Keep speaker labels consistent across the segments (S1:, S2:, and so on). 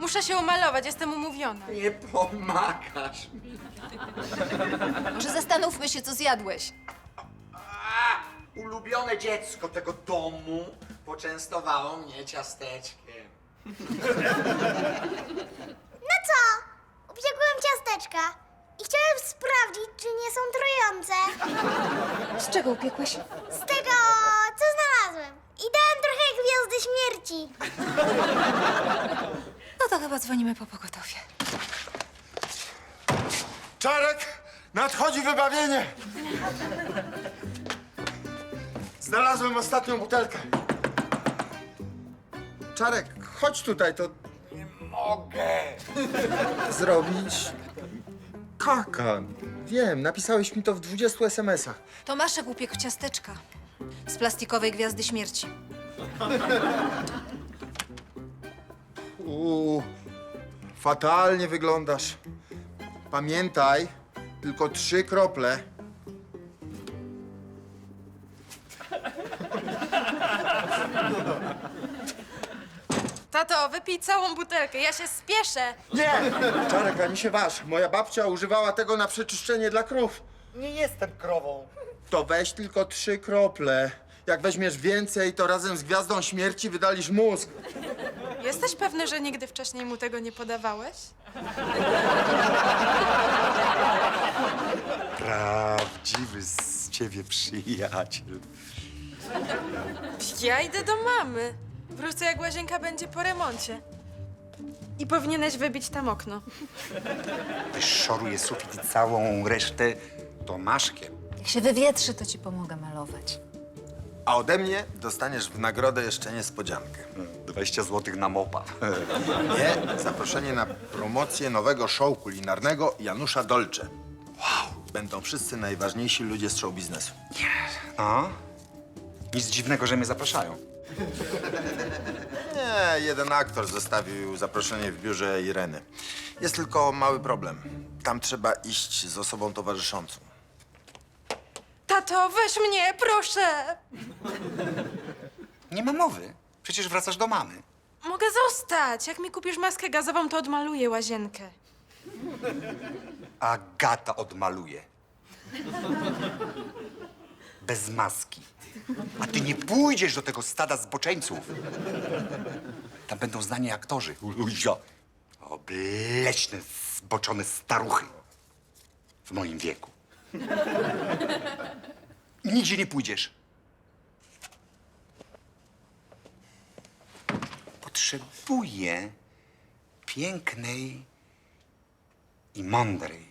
S1: Muszę się umalować, jestem umówiona.
S2: Nie pomagasz mi.
S3: Może zastanówmy się, co zjadłeś.
S2: Ulubione dziecko tego domu poczęstowało mnie ciasteczkiem.
S4: No co? Upiekłem ciasteczka i chciałem sprawdzić, czy nie są trujące.
S3: Z czego upiekłeś?
S4: Z tego, co znalazłem. I dałem trochę gwiazdy śmierci.
S3: No to chyba dzwonimy po pogotowie.
S5: Czarek, nadchodzi wybawienie! Znalazłem ostatnią butelkę. Czarek, chodź tutaj, to
S2: Nie mogę.
S5: zrobić kaka. Wiem, napisałeś mi to w 20 SMS-ach.
S3: Tomaszek upiekł ciasteczka z plastikowej gwiazdy śmierci.
S5: Fatalnie wyglądasz. Pamiętaj, tylko 3 krople.
S1: Tato, wypij całą butelkę, ja się spieszę.
S5: Nie! Czarek, a mi się waż. Moja babcia używała tego na przeczyszczenie dla krów.
S2: Nie jestem krową.
S5: To weź tylko 3 krople. Jak weźmiesz więcej, to razem z gwiazdą śmierci wydalisz mózg.
S1: Jesteś pewny, że nigdy wcześniej mu tego nie podawałeś?
S2: Prawdziwy z ciebie przyjaciel.
S1: Ja idę do mamy. Wrócę, jak łazienka będzie po remoncie. I powinieneś wybić tam okno.
S2: Wyszoruję sufit i całą resztę Tomaszkiem.
S3: Jak się wywietrzy, to ci pomogę malować.
S5: A ode mnie dostaniesz w nagrodę jeszcze niespodziankę.
S2: 20 zł na mopa.
S5: Nie, zaproszenie na promocję nowego show kulinarnego Janusza Dolce. Wow, będą wszyscy najważniejsi ludzie z show biznesu.
S2: No? Nic dziwnego, że mnie zapraszają.
S5: Nie, jeden aktor zostawił zaproszenie w biurze Ireny. Jest tylko mały problem. Tam trzeba iść z osobą towarzyszącą.
S1: Tato, weź mnie, proszę!
S2: Nie ma mowy. Przecież wracasz do mamy.
S1: Mogę zostać. Jak mi kupisz maskę gazową, to odmaluję łazienkę.
S2: Agata odmaluje. Bez maski. A ty nie pójdziesz do tego stada zboczeńców. Tam będą znani aktorzy. Luzio. Obleśne, zboczone staruchy. W moim wieku. I nigdzie nie pójdziesz. Potrzebuję pięknej i mądrej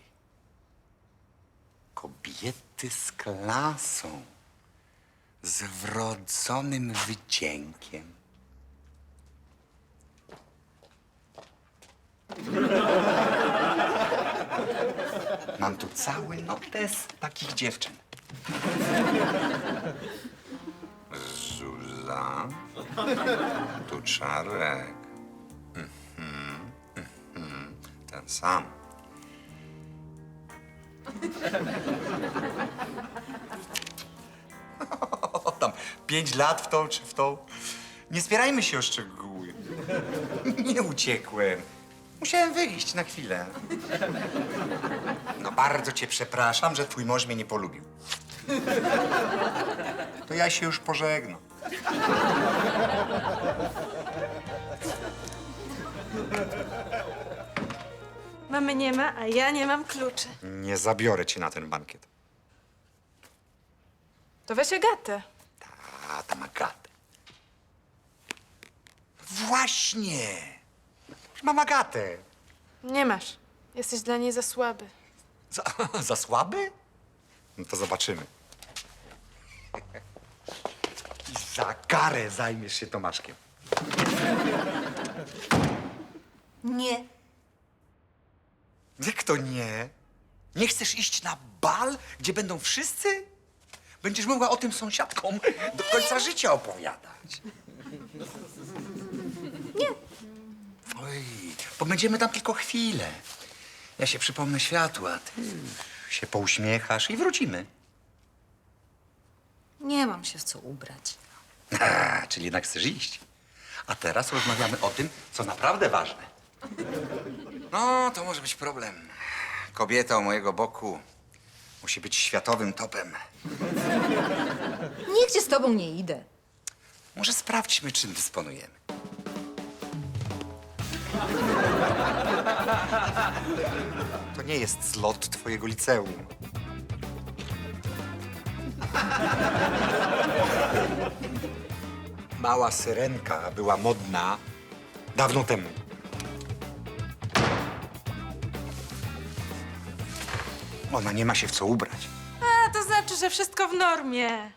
S2: kobiety z klasą, z wrodzonym wdziękiem. Mam tu cały notes takich dziewczyn. Zuza, tu Czarek. Ten sam. Tam 5 lat w tą czy w tą. Nie spierajmy się o szczegóły. Nie uciekłem. Musiałem wyjść na chwilę. No bardzo cię przepraszam, że twój mąż mnie nie polubił. To ja się już pożegnam.
S1: Mamy nie ma, a ja nie mam kluczy.
S2: Nie zabiorę cię na ten bankiet.
S1: To weź Agatę.
S2: A, tam Agatę. Właśnie! Mam Agatę.
S1: Nie masz. Jesteś dla niej za słaby.
S2: Za słaby? No to zobaczymy. I za karę zajmiesz się Tomaszkiem.
S3: Nie.
S2: Jak to nie? Nie chcesz iść na bal, gdzie będą wszyscy? Będziesz mogła o tym sąsiadkom do końca życia opowiadać.
S3: Nie.
S2: Oj, bo będziemy tam tylko chwilę. Ja się przypomnę światła, a ty się pouśmiechasz i wrócimy.
S3: Nie mam się w co ubrać.
S2: Czyli jednak chcesz iść. A teraz rozmawiamy o tym, co naprawdę ważne. No, to może być problem. Kobieta u mojego boku musi być światowym topem.
S3: Nigdzie z tobą nie idę.
S2: Może sprawdźmy, czym dysponujemy. To nie jest zlot twojego liceum. Mała syrenka była modna dawno temu. Ona nie ma się w co ubrać.
S1: A, to znaczy, że wszystko w normie.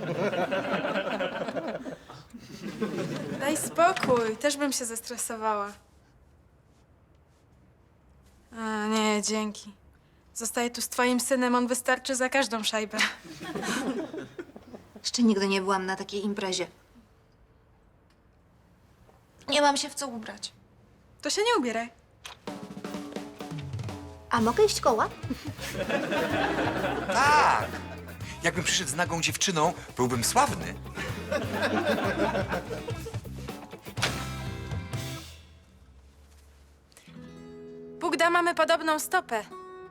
S1: Daj spokój, też bym się zestresowała. A, nie, dzięki. Zostaję tu z twoim synem, on wystarczy za każdą szajbę.
S3: Jeszcze nigdy nie byłam na takiej imprezie. Nie mam się w co ubrać.
S1: To się nie ubieraj.
S4: A mogę iść koła?
S2: Tak! Jakbym przyszedł z nagą dziewczyną, byłbym sławny.
S1: Bóg da, mamy podobną stopę.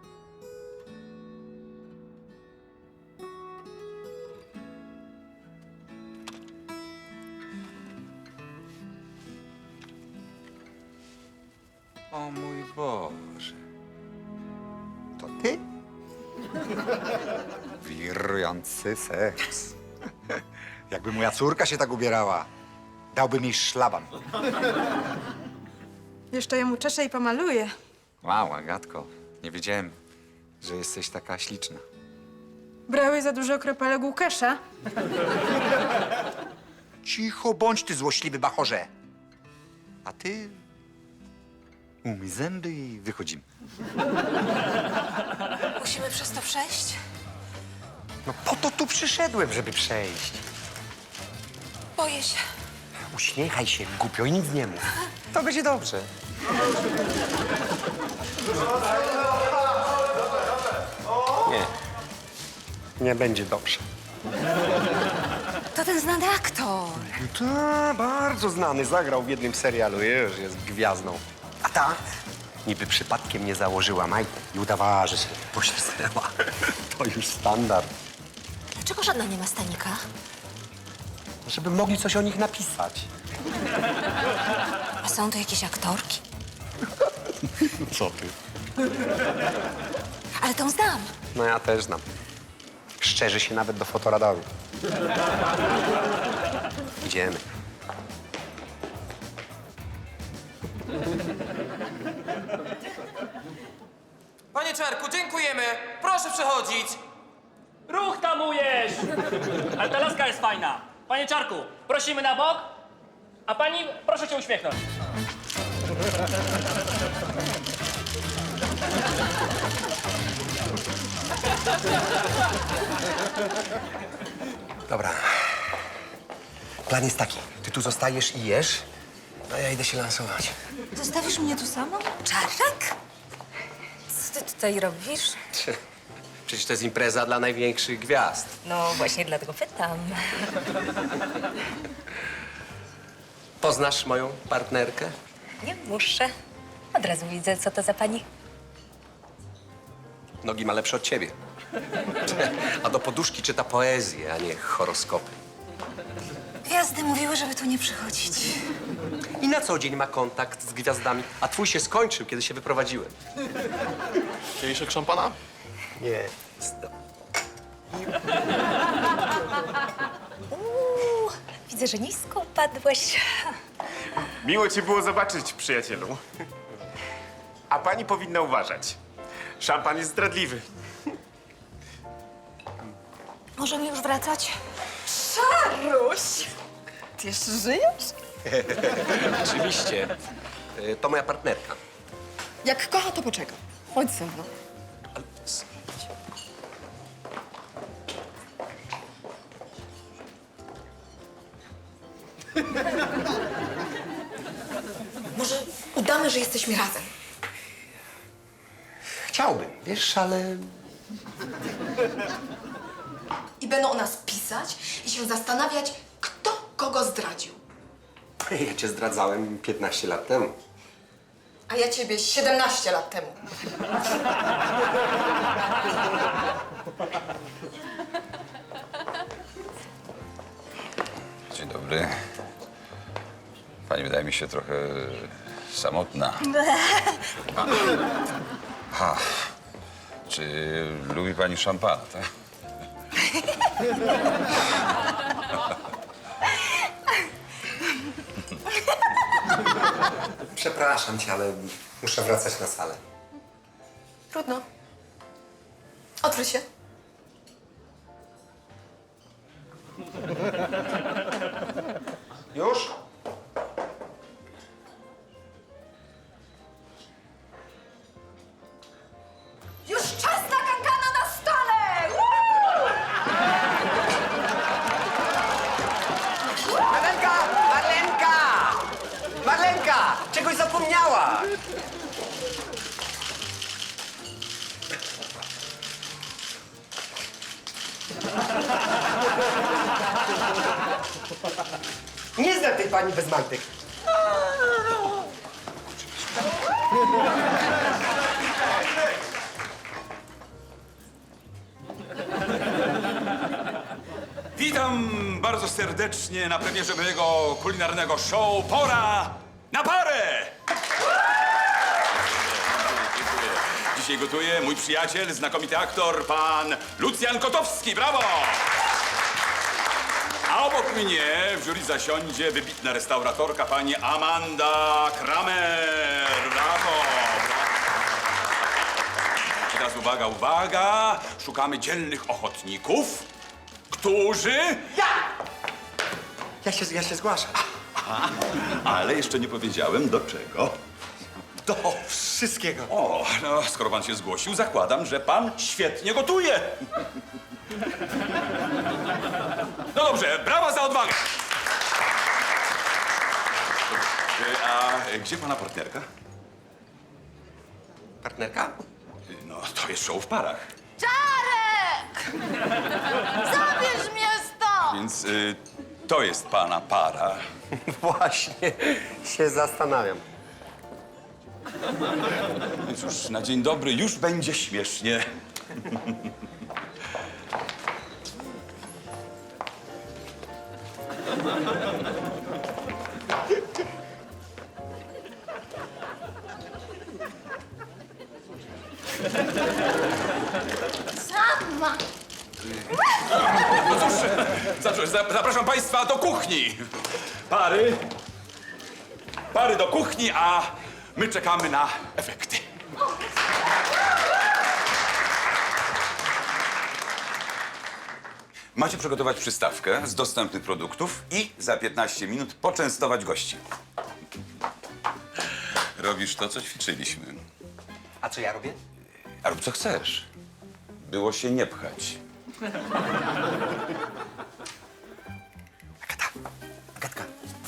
S2: O mój Boże. To ty? Wirujący seks. Jakby moja córka się tak ubierała, dałbym jej szlaban.
S1: Jeszcze ją uczeszę i pomaluję.
S2: Wow, Agatko, nie wiedziałem, że jesteś taka śliczna.
S1: Brałeś za dużo kropelek Łukasza?
S2: Cicho bądź, ty złośliwy bachorze. A ty... umyj zęby i wychodzimy.
S3: Musimy przez to przejść?
S2: No po to tu przyszedłem, żeby przejść.
S3: Boję się.
S2: Uśmiechaj się, głupio, i nic nie mów. To będzie dobrze.
S6: Nie. Nie będzie dobrze.
S3: To ten znany aktor.
S6: Ta, bardzo znany. Zagrał w jednym serialu. Już jest gwiazdą. A ta niby przypadkiem nie założyła majtek i udawała, że się poślizgnęła. To już standard.
S3: Dlaczego żadna nie ma stanika?
S6: Żeby mogli coś o nich napisać.
S3: A są to jakieś aktorki?
S6: Co ty?
S3: Ale tą znam.
S6: No ja też znam. Szczerzy się nawet do fotoradoru. Idziemy.
S7: Panie Czarku, dziękujemy. Proszę przechodzić.
S8: Ruch tamujesz! Ale ta laska jest fajna. Panie Czarku, prosimy na bok, a pani proszę się uśmiechnąć.
S6: Dobra. Plan jest taki. Ty tu zostajesz i jesz, a ja idę się lansować.
S3: Zostawisz mnie tu samą? Czarek? Co ty tutaj robisz?
S6: Przecież to jest impreza dla największych gwiazd.
S3: No właśnie dlatego pytam.
S6: Poznasz moją partnerkę?
S9: Nie muszę. Od razu widzę, co to za pani.
S6: Nogi ma lepsze od ciebie. A do poduszki czyta poezję, a nie horoskopy.
S3: Gwiazdy mówiły, żeby tu nie przychodzić.
S6: I na co dzień ma kontakt z gwiazdami, a twój się skończył, kiedy się wyprowadziłem.
S10: Kieliszek szampana?
S6: Nie.
S9: Widzę, że nisko upadłeś.
S10: Miło cię było zobaczyć, przyjacielu. A pani powinna uważać. Szampan jest zdradliwy.
S3: Możemy już wracać?
S1: Ty jeszcze żyjesz?
S6: Oczywiście. To moja partnerka.
S11: Jak kocha, to poczeka. Chodź ze mną.
S6: Ale...
S11: Może udamy, że jesteśmy razem.
S6: Chciałbym, wiesz, ale...
S11: I będą o nas pisać i się zastanawiać, kto kogo zdradził.
S6: Ja cię zdradzałem 15 lat temu.
S11: A ja ciebie 17 lat temu.
S12: Dzień dobry. Pani wydaje mi się trochę samotna. Ha. Czy lubi pani szampana, tak?
S6: Przepraszam cię, ale muszę wracać na salę.
S11: Trudno. Otwórz się.
S6: Już?
S3: Już czas na kankana na stole!
S6: Marlenka! Marlenka! Marlenka! Czegoś zapomniała! Nie znam tej pani bez majtek.
S12: Witam bardzo serdecznie na premierze mojego kulinarnego show Pora na parę! Dzisiaj gotuje mój przyjaciel, znakomity aktor, pan Lucjan Kotowski. Brawo! A obok mnie w jury zasiądzie wybitna restauratorka pani Amanda Kramer. Brawo! I teraz uwaga, uwaga! Szukamy dzielnych ochotników, którzy...
S6: Ja się zgłaszam.
S12: Ale jeszcze nie powiedziałem do czego.
S6: Do wszystkiego.
S12: O, no, skoro pan się zgłosił, zakładam, że pan świetnie gotuje. No dobrze, brawa za odwagę. A gdzie pana partnerka?
S6: Partnerka?
S12: No, to jest show w parach.
S3: Czarek! Zabierz mnie stąd!
S12: Więc to jest pana para.
S6: Właśnie się zastanawiam.
S12: Więc już na dzień dobry już będzie śmiesznie.
S3: Sama!
S12: No cóż, zapraszam państwa do kuchni. Pary do kuchni, a my czekamy na efekty. Macie przygotować przystawkę z dostępnych produktów i za 15 minut poczęstować gości. Robisz to, co ćwiczyliśmy.
S6: A co ja robię?
S12: A rób co chcesz. Było się nie pchać.
S6: Agatka.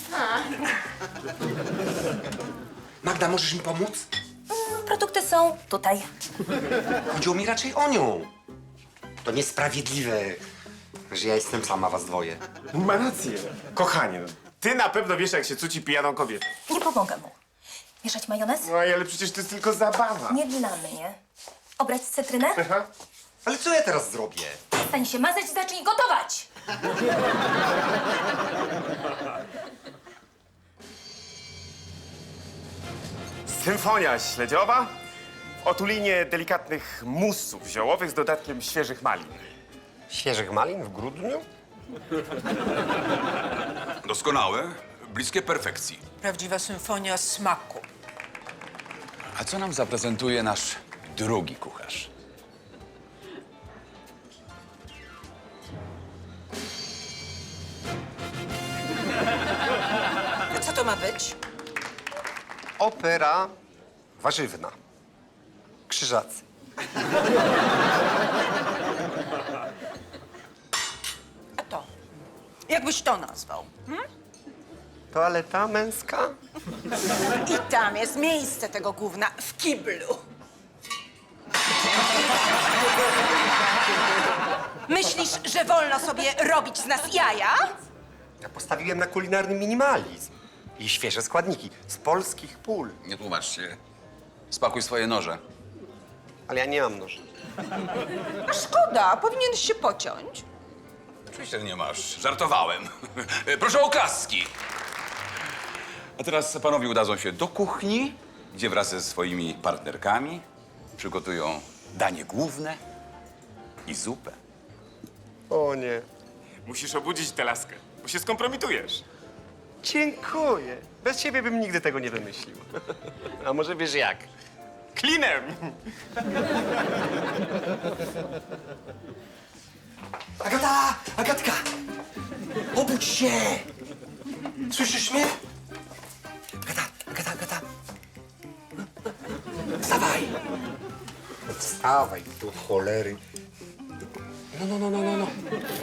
S6: Magda, możesz mi pomóc?
S9: Produkty są tutaj.
S6: Chodziło mi raczej o nią. To niesprawiedliwe, że ja jestem sama was dwoje.
S10: Ma rację. Kochanie, no, ty na pewno wiesz, jak się cuci pijaną kobietę.
S9: Nie pomogę mu. Mieszać majonez?
S10: No ale przecież to jest tylko zabawa.
S9: Nie dla mnie. Obrać cytrynę?
S10: Aha.
S6: Ale co ja teraz zrobię?
S9: Przestań się mazać i zacznij gotować!
S10: Symfonia śledziowa w otulinie delikatnych musów ziołowych z dodatkiem świeżych malin.
S6: Świeżych malin w grudniu?
S12: Doskonałe, bliskie perfekcji.
S3: Prawdziwa symfonia smaku.
S12: A co nam zaprezentuje nasz drugi kucharz?
S3: Co to ma być?
S6: Opera warzywna. Krzyżacy.
S3: A to? Jakbyś to nazwał?
S6: Toaleta męska?
S3: I tam jest miejsce tego gówna w kiblu. Myślisz, że wolno sobie robić z nas jaja?
S6: Ja postawiłem na kulinarny minimalizm. I świeże składniki z polskich pól.
S12: Nie tłumacz się. Spakuj swoje noże.
S6: Ale ja nie mam noży.
S3: A szkoda, powinieneś się pociąć.
S12: Oczywiście, że nie masz. Żartowałem. Proszę o klaski. A teraz panowie udadzą się do kuchni, gdzie wraz ze swoimi partnerkami przygotują danie główne i zupę.
S6: O nie.
S10: Musisz obudzić tę laskę, bo się skompromitujesz.
S6: Dziękuję. Bez ciebie bym nigdy tego nie wymyślił. A może wiesz jak?
S10: Klinem!
S6: Agata! Agatka! Obudź się! Słyszysz mnie? Agata! Wstawaj! Wstawaj, do cholery. No.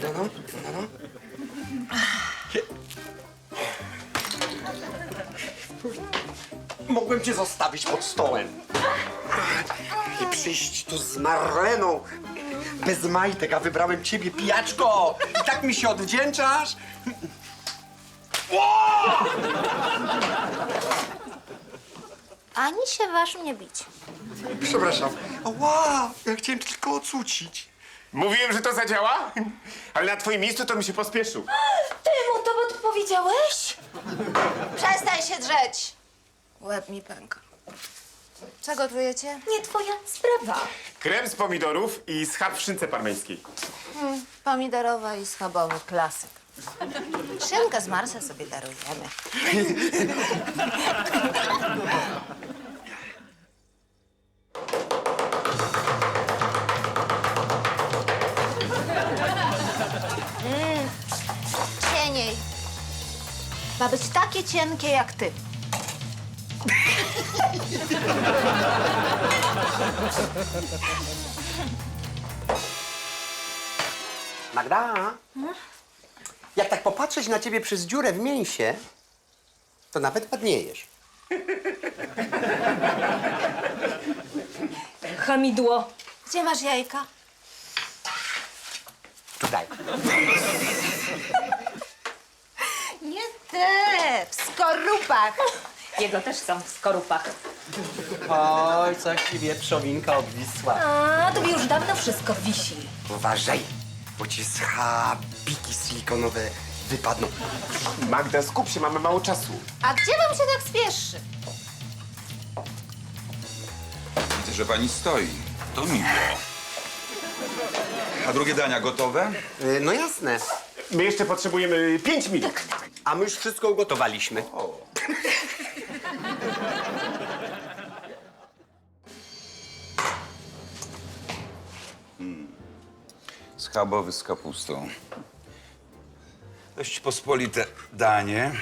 S6: Mogłem cię zostawić pod stołem. I przyjść tu z Marleną. Bez majtek, a wybrałem ciebie, pijaczko! I tak mi się odwdzięczasz?
S4: Ani się waż mnie bić.
S6: Przepraszam. Ła, ja chciałem tylko ocucić.
S10: Mówiłem, że to zadziała, ale na twoim miejscu to bym się pospieszył.
S3: Ty mu to powiedziałeś?
S11: Przestań się drzeć! Łeb mi pęka. Co gotujecie?
S3: Nie twoja sprawa.
S10: Krem z pomidorów i schab w szynce parmeńskiej.
S11: Pomidorowa i schabowy klasyk. Szynkę z Marsa sobie darujemy. Cieniej. Ma być takie cienkie jak ty.
S6: Magda? Jak tak popatrzeć na ciebie przez dziurę w mięsie, to nawet ładniejesz.
S3: Hamidło.
S11: Gdzie masz jajka?
S6: Tutaj.
S11: Nie te, w skorupach.
S9: Jego też są w skorupach.
S6: Oj, coś ci wieprzowinka obwisła.
S3: A, tobie już dawno wszystko wisi.
S6: Uważaj, bo ci schabiki silikonowe wypadną.
S10: Magda, skup się, mamy mało czasu.
S11: A gdzie wam się tak spieszy?
S12: Widzę, że pani stoi. To miło. A drugie dania gotowe?
S6: No jasne.
S10: My jeszcze potrzebujemy 5 minut.
S6: A my już wszystko ugotowaliśmy.
S12: Schabowy z kapustą. Dość pospolite danie.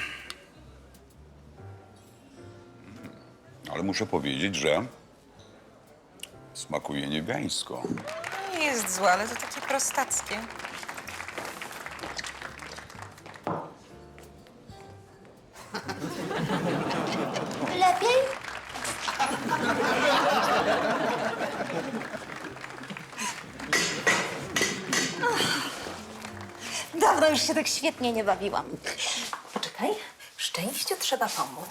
S12: Ale muszę powiedzieć, że smakuje niebiańsko.
S3: Nie jest złe, ale to takie prostackie.
S4: Lepiej?
S3: Dawno już się tak świetnie nie bawiłam. Poczekaj, szczęściu trzeba pomóc.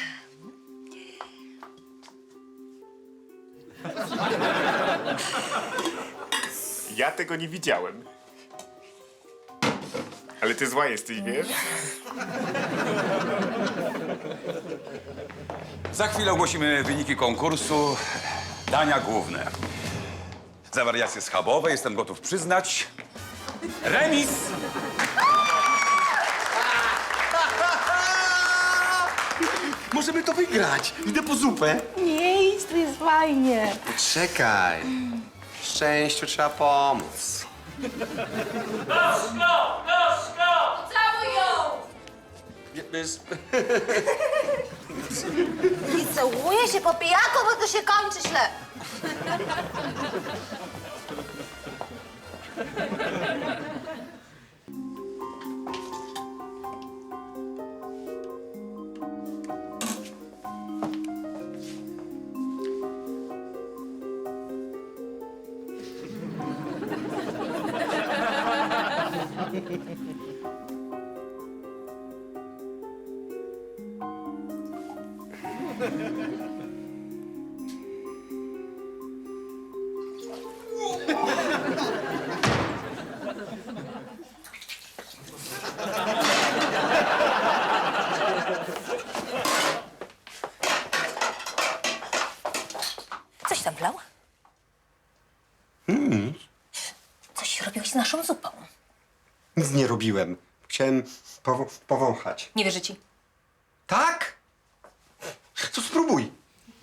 S10: Ja tego nie widziałem. Ale ty zła jesteś, wiesz?
S12: Za chwilę ogłosimy wyniki konkursu dania główne. Za wariacje schabowe jestem gotów przyznać remis.
S6: Możemy to wygrać. Idę po zupę.
S3: Nie idź, to jest fajnie.
S6: Czekaj. Szczęściu trzeba pomóc.
S11: Całuj ją! I całuje się po pijaku, bo to się kończy źle.
S6: Nic.
S9: Coś robiłeś z naszą zupą.
S6: Nic nie robiłem. Chciałem powąchać.
S9: Nie wierzę ci.
S6: Tak? To spróbuj.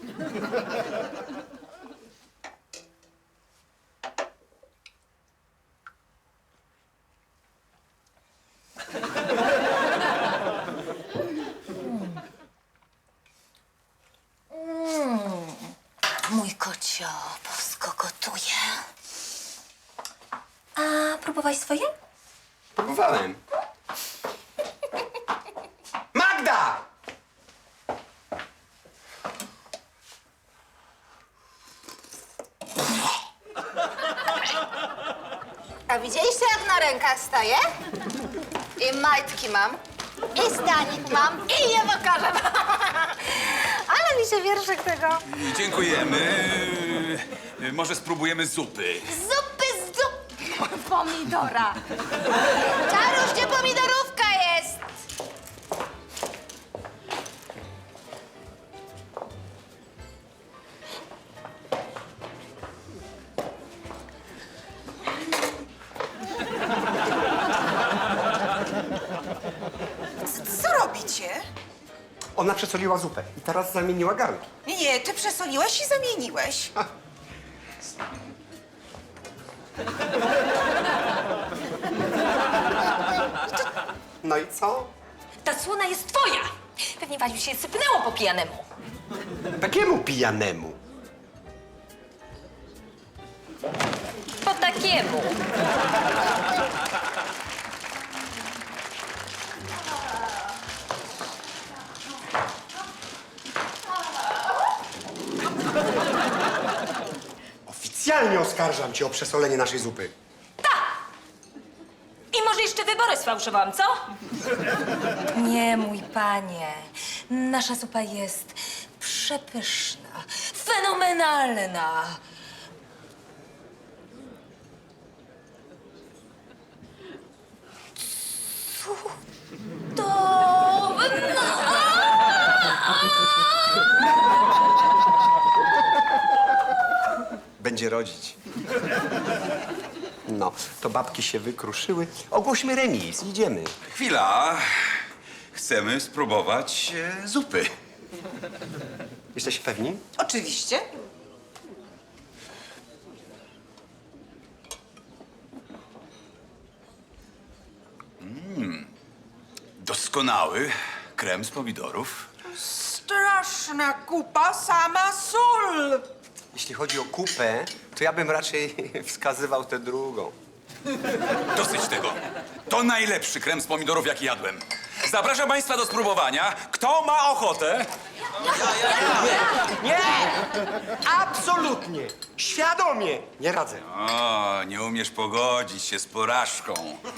S9: Mój kocio bosko gotuje. A próbowałeś swoje?
S6: Próbowałem. Magda!
S11: A widzieliście, jak na rękach staję? I majtki mam, i stanik mam, i nie pokażę. Ale mi się wierszyk tego.
S12: Dziękujemy. Może spróbujemy zupy.
S11: Zupy z zup... pomidora. Czaruś, gdzie pomidorówka jest?
S13: Co robicie?
S6: Ona przesoliła zupę i teraz zamieniła garnki.
S13: Nie, ty przesoliłeś i zamieniłeś.
S6: No i co?
S9: Ta słona jest twoja! Pewnie Waliu się sypnęło po pijanemu.
S6: Takiemu pijanemu.
S9: Po takiemu.
S6: Oficjalnie oskarżam cię o przesolenie naszej zupy.
S9: I może jeszcze wybory sfałszowałam, co? Nie, mój panie. Nasza zupa jest przepyszna, fenomenalna.
S6: Będzie rodzić. No, to babki się wykruszyły. Ogłośmy remis, idziemy.
S12: Chwila. Chcemy spróbować zupy.
S6: Jesteście pewni?
S13: Oczywiście.
S12: Doskonały krem z pomidorów.
S13: Straszna kupa, sama sól.
S6: Jeśli chodzi o kupę, to ja bym raczej wskazywał tę drugą.
S12: Dosyć tego. To najlepszy krem z pomidorów, jaki jadłem. Zapraszam państwa do spróbowania. Kto ma ochotę?
S6: Nie! Absolutnie! Świadomie! Nie radzę.
S12: O, nie umiesz pogodzić się z porażką.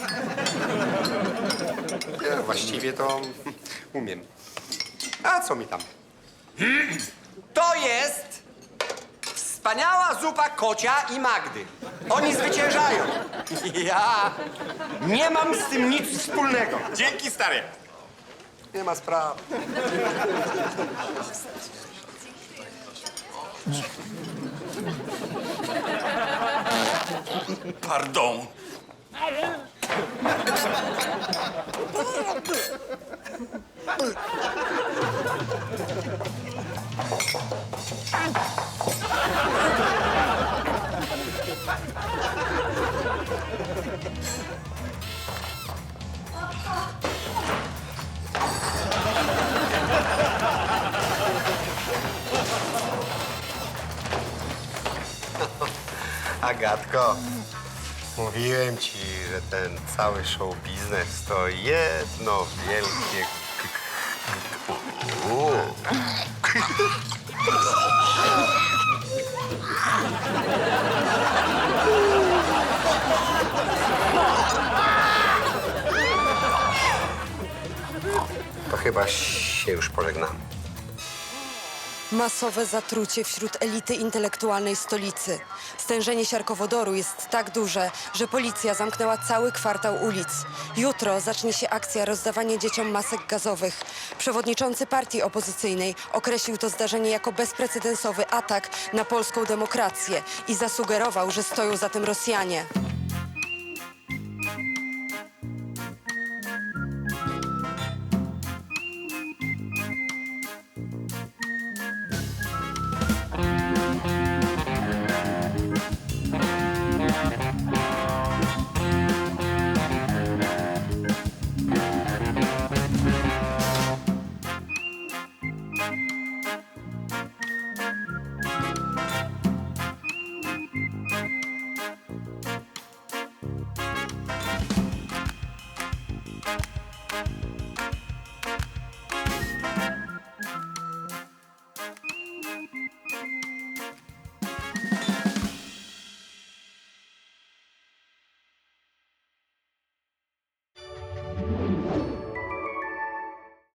S6: Nie, właściwie to umiem. A co mi tam? To jest wspaniała zupa Kocia i Magdy. Oni zwyciężają. Ja nie mam z tym nic wspólnego.
S10: Dzięki, stary.
S6: Nie ma sprawy.
S12: Pardon.
S6: Agatko, mówiłem ci, że ten cały show biznes to jedno wielkie... To chyba się już pożegnamy.
S14: Masowe zatrucie wśród elity intelektualnej stolicy. Stężenie siarkowodoru jest tak duże, że policja zamknęła cały kwartał ulic. Jutro zacznie się akcja rozdawania dzieciom masek gazowych. Przewodniczący partii opozycyjnej określił to zdarzenie jako bezprecedensowy atak na polską demokrację i zasugerował, że stoją za tym Rosjanie.